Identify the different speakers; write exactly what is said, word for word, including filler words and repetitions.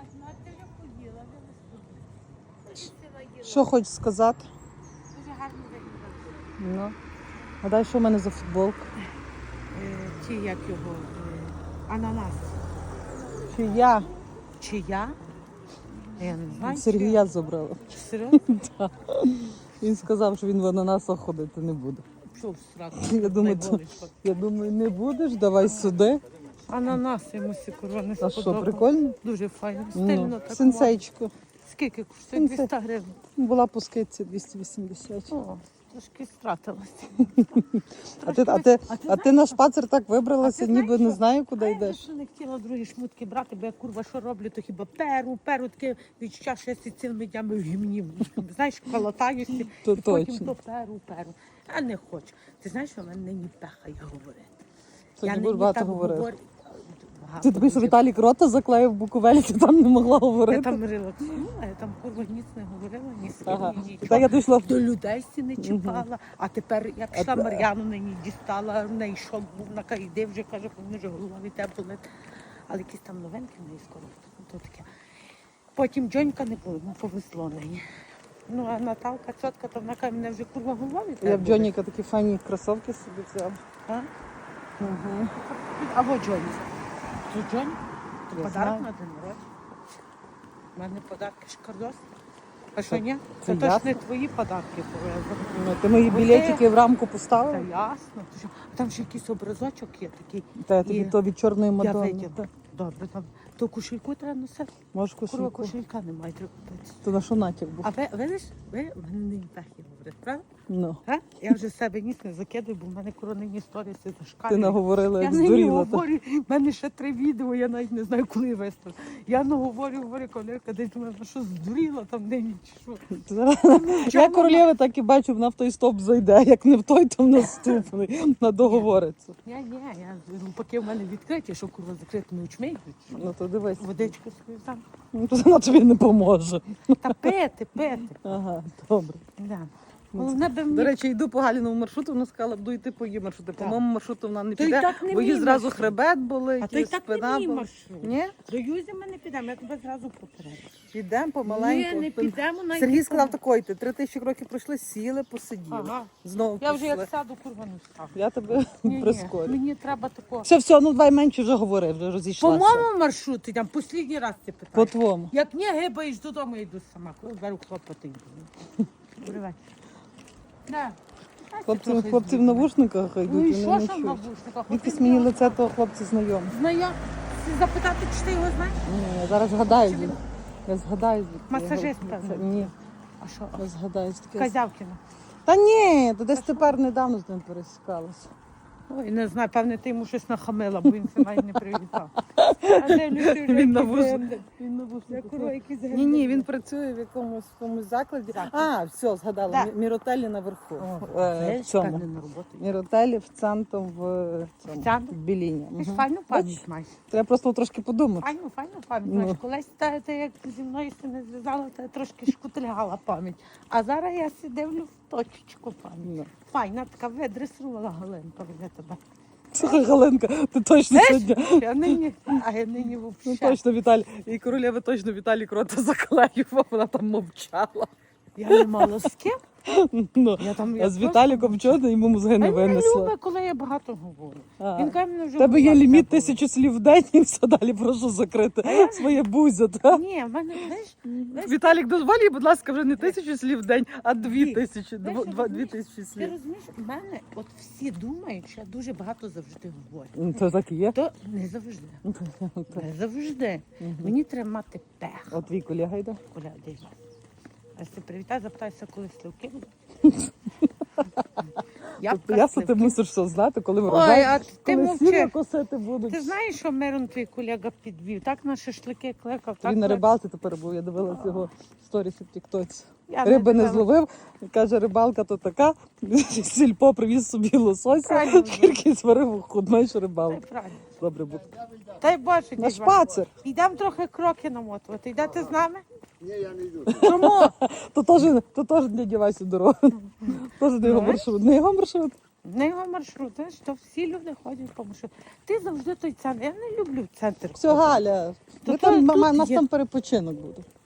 Speaker 1: ну а ти вже поїла, вже не сподівала.
Speaker 2: Що хочеш сказати?
Speaker 1: Дуже гарно виглядає.
Speaker 2: Ну. А дай, що в мене за футболка?
Speaker 1: Е, Чи як його? Е, Ананас.
Speaker 2: Чи я?
Speaker 1: Чи я? Я не знаю.
Speaker 2: Сергія забрала.
Speaker 1: чи- Серйозно?
Speaker 2: Так. Він сказав, що він в ананасах ходити не буде.
Speaker 1: Що в сраку?
Speaker 2: Я думаю, то- Я думаю, не будеш, давай сюди.
Speaker 1: Ананас йому сікурва не
Speaker 2: А що,
Speaker 1: сподобав.
Speaker 2: прикольно?
Speaker 1: Дуже файно, стильно
Speaker 2: Ну,
Speaker 1: так.
Speaker 2: сенсейчко.
Speaker 1: Скільки коштує?
Speaker 2: Сенсей.
Speaker 1: двісті гривень.
Speaker 2: Була по скидці двісті вісімдесят.
Speaker 1: О, трошки стратилася.
Speaker 2: А ти, а, ти,
Speaker 1: А ти
Speaker 2: а ти на шпацер так вибралася,
Speaker 1: А ти
Speaker 2: ніби
Speaker 1: знаєш
Speaker 2: не
Speaker 1: що?
Speaker 2: знаю, куди
Speaker 1: А я
Speaker 2: йдеш.
Speaker 1: ще не хотіла другі шмутки брати, бо я курва що роблю, то хіба перу, перу таке відчуття, що я сі цілими днями в гімні. Знаєш, колотаюся,
Speaker 2: То
Speaker 1: і потім
Speaker 2: точно.
Speaker 1: то перу, перу. А не хочу. Ти знаєш, що в мене нині пехає говорити.
Speaker 2: Сьогодні
Speaker 1: Я
Speaker 2: будеш
Speaker 1: нині
Speaker 2: багато
Speaker 1: так
Speaker 2: говорити.
Speaker 1: говорю. Багато
Speaker 2: Ти тобі, що
Speaker 1: дуже.
Speaker 2: Віталік рота заклеїв в Буковелі, ти там не могла
Speaker 1: Я
Speaker 2: говорити.
Speaker 1: там релаксувала, я там курва ніц не говорила, ні з ким,
Speaker 2: Ага.
Speaker 1: ні нічого.
Speaker 2: Так я дійшла.
Speaker 1: До людей сі не чіпала, а тепер я пішла
Speaker 2: А те-
Speaker 1: Мар'яну нині дістала, в неї шок був на кайди, вже каже, що в мене вже голова від тебе болить. Але якісь там новинки в неї скоро. То таке. Потім Джонька не було, ну повезло неї. Ну а Наталка, цьотка, то вона каже, мене вже курва голова від тебе
Speaker 2: Я в
Speaker 1: болить.
Speaker 2: Джоніка такі файні кросовки собі взяла.
Speaker 1: А?
Speaker 2: Угу.
Speaker 1: А во Джоні. То Джоні? То
Speaker 2: Я
Speaker 1: подарок
Speaker 2: знаю.
Speaker 1: на день народження. У мене подарки шкардос. А що
Speaker 2: Це-
Speaker 1: ні?
Speaker 2: це
Speaker 1: Це точно
Speaker 2: ясно.
Speaker 1: не твої подарки повезли.
Speaker 2: Ну, ти мої
Speaker 1: Бо
Speaker 2: білетики в рамку
Speaker 1: Та
Speaker 2: поставила?
Speaker 1: ясно. Ти що? Там ще якийсь образочок є такий.
Speaker 2: Та я тобі
Speaker 1: І
Speaker 2: то від чорної
Speaker 1: Я
Speaker 2: Мадонни.
Speaker 1: виділа. Добре, там. То кошельку треба носити.
Speaker 2: Можеш
Speaker 1: Курва
Speaker 2: кошельку.
Speaker 1: кошелька немає, треба купити.
Speaker 2: То на що натяк був?
Speaker 1: А ви, видиш, ви в мене не пехи говорять, правда?
Speaker 2: Ну.
Speaker 1: А? Я вже з себе ніс не закидаю, бо в мене коронні історії все
Speaker 2: Ти
Speaker 1: зашкалює.
Speaker 2: наговорила,
Speaker 1: Я
Speaker 2: як
Speaker 1: не
Speaker 2: здуріла. та.
Speaker 1: говорю, в мене ще три відео, я навіть не знаю, коли виставлю. Я наговорю, говорю, колірка, десь думаю, ну що здуріла там нині чи що.
Speaker 2: Я королеви так і бачу, вона в той стоп зайде, як не в той, то в наступний. На договориться.
Speaker 1: Ні, ні, я поки в мене відкриті, що курва закритими очми йдуть.
Speaker 2: Ну то дивись.
Speaker 1: Водичку свою там.
Speaker 2: Ну, то вона тобі не поможе.
Speaker 1: Та пити, пити.
Speaker 2: Ага, добре.
Speaker 1: Да. Головне би
Speaker 2: До
Speaker 1: мені.
Speaker 2: речі, йду по Галіному маршруту, вона сказала, буду йти по її маршруту. По
Speaker 1: Так.
Speaker 2: моєму маршруту вона не
Speaker 1: То й
Speaker 2: піде,
Speaker 1: так не
Speaker 2: бо їй
Speaker 1: мій
Speaker 2: зразу
Speaker 1: маршрут.
Speaker 2: хребет болить,
Speaker 1: А то й
Speaker 2: і
Speaker 1: так
Speaker 2: спина
Speaker 1: не мій
Speaker 2: болить.
Speaker 1: маршрут.
Speaker 2: Ні?
Speaker 1: До Юзі ми не підемо, я тебе зразу попереджу.
Speaker 2: Підемо помаленьку.
Speaker 1: Ні, не підемо навіть.
Speaker 2: Сергій
Speaker 1: не
Speaker 2: сказав
Speaker 1: підемо.
Speaker 2: такої, ти три тисячі кроків пройшли, сіли, посиділи.
Speaker 1: Ага.
Speaker 2: Знову
Speaker 1: Я вже
Speaker 2: пішли.
Speaker 1: як сяду, курва не встану.
Speaker 2: Я тебе
Speaker 1: Ні, ні,
Speaker 2: прискорю.
Speaker 1: мені треба такого.
Speaker 2: Все, все, ну давай менше вже говори, вже
Speaker 1: По
Speaker 2: розійшлася.
Speaker 1: моєму маршруту, там останній раз ти
Speaker 2: По
Speaker 1: питаєш.
Speaker 2: твому.
Speaker 1: Як не гибаєш додому, йду сама. Коли беру хлопоти йду. Привет. Да.
Speaker 2: Хлопці,
Speaker 1: Трохи
Speaker 2: хлопці в
Speaker 1: збігли.
Speaker 2: навушниках йдуть,
Speaker 1: Ну і
Speaker 2: вони
Speaker 1: що
Speaker 2: не
Speaker 1: ж в
Speaker 2: чують.
Speaker 1: навушниках?
Speaker 2: Якось мені лице того хлопця знайоме.
Speaker 1: Знаю. Запитати, чи ти його знаєш?
Speaker 2: Ні, я зараз згадаю.
Speaker 1: Чи він-
Speaker 2: звідки. Я згадаю. звідки я
Speaker 1: Масажист,
Speaker 2: говорю.
Speaker 1: певно.
Speaker 2: Ні,
Speaker 1: А що?
Speaker 2: я згадаю. таке.
Speaker 1: Казявкіна.
Speaker 2: Та ні, то десь тепер недавно з ним пересікалася.
Speaker 1: Ой, не знаю, певне, ти йому щось нахамила, бо він це навіть не привітав. А де люди вже
Speaker 2: Він на
Speaker 1: якісь
Speaker 2: вуз-
Speaker 1: генди?
Speaker 2: Він на
Speaker 1: Я
Speaker 2: вушниках.
Speaker 1: курва, якісь
Speaker 2: Ні,
Speaker 1: генди.
Speaker 2: ні, він працює в якомусь, в якомусь закладі.
Speaker 1: Закладі.
Speaker 2: А, все, згадала.
Speaker 1: Да.
Speaker 2: Мі- Міротелі наверху.
Speaker 1: О,
Speaker 2: Е,
Speaker 1: це
Speaker 2: в
Speaker 1: ж,
Speaker 2: цьому.
Speaker 1: певне, на роботу.
Speaker 2: Міротелі в центру в цьому.
Speaker 1: В центру?
Speaker 2: В Біліні.
Speaker 1: Ти ж
Speaker 2: Мгм.
Speaker 1: файну
Speaker 2: Бач,
Speaker 1: пам'ять маєш.
Speaker 2: Треба просто трошки подумати.
Speaker 1: Файну, файну пам'ять
Speaker 2: Ну.
Speaker 1: маєш. Колись та, та, як зі мною си не зв'язала, та трошки шкутильгала пам'ять. А зараз я си дивлю в точечку пам'ять.
Speaker 2: Ну.
Speaker 1: Файна така видресувала Галинка від тебе.
Speaker 2: Слухай, Галинка, ти точно сьогодні.
Speaker 1: Я нині, а я нині
Speaker 2: Ну
Speaker 1: взагалі.
Speaker 2: точно Віталій. І королева точно Віталій Крота заклеював, вона там мовчала.
Speaker 1: Я не мала з ким.
Speaker 2: Ну,
Speaker 1: Я там,
Speaker 2: а
Speaker 1: я
Speaker 2: з
Speaker 1: просто
Speaker 2: Віталіком чого ти йому мозги
Speaker 1: А
Speaker 2: не
Speaker 1: він не
Speaker 2: винесла?
Speaker 1: любить, коли я багато говорю.
Speaker 2: А.
Speaker 1: Він каже, мене вже
Speaker 2: У тебе є
Speaker 1: голова
Speaker 2: ліміт
Speaker 1: заболить.
Speaker 2: тисячу слів в день і все далі прошу закрити своє бузя. Та?
Speaker 1: Ні, в мене, знаєш, знаєш,
Speaker 2: Віталік, дозволі, будь ласка, вже не тисячу слів в день, а дві
Speaker 1: Дві.
Speaker 2: тисячі,
Speaker 1: Знаєш,
Speaker 2: дво- два- дві
Speaker 1: розумієш?
Speaker 2: тисячі
Speaker 1: ти
Speaker 2: слів.
Speaker 1: розумієш, в мене от всі думають, що я дуже багато завжди говорю.
Speaker 2: Ну, Це так і є.
Speaker 1: То не завжди. Не завжди. Мені треба мати пех.
Speaker 2: От твій колега йде.
Speaker 1: Коля, де я? А ти привітай, запитайся, коли сливки будуть.
Speaker 2: Тобто ясно, ти мусиш все знати, коли
Speaker 1: Ой,
Speaker 2: врожай,
Speaker 1: а ти
Speaker 2: коли сіно
Speaker 1: мовчи.
Speaker 2: косити будуть.
Speaker 1: Ти знаєш, що Мирон твій колега підвів? Так на шашлики кликав. Так
Speaker 2: Він на
Speaker 1: кликав.
Speaker 2: рибалці тепер був, я дивилася його сторіси в тіктоці.
Speaker 1: Я
Speaker 2: Риби не
Speaker 1: дивилась.
Speaker 2: зловив, каже, рибалка то така, сільпо привіз собі лосося,
Speaker 1: Правильно.
Speaker 2: тільки зварив худною
Speaker 1: Та й
Speaker 2: рибалку.
Speaker 1: правильно.
Speaker 2: Добре буде.
Speaker 1: Та й бачу,
Speaker 2: На
Speaker 1: дідьма.
Speaker 2: шпацер.
Speaker 1: Йдемо трохи кроки намотувати. Йдете з нами?
Speaker 3: Ні, я не йду.
Speaker 1: Чому?
Speaker 2: То теж, то теж для дівайся дорогу. Теж не його
Speaker 1: Знаєш?
Speaker 2: маршрут. Не його маршрут.
Speaker 1: На його маршрут, знаєш, то всі люди ходять по маршруту. Ти завжди той центр. Я не люблю центр.
Speaker 2: Все,
Speaker 1: ходити.
Speaker 2: Галя,
Speaker 1: То
Speaker 2: ми
Speaker 1: то
Speaker 2: там,
Speaker 1: тут
Speaker 2: ма- у нас
Speaker 1: є.
Speaker 2: там перепочинок буде.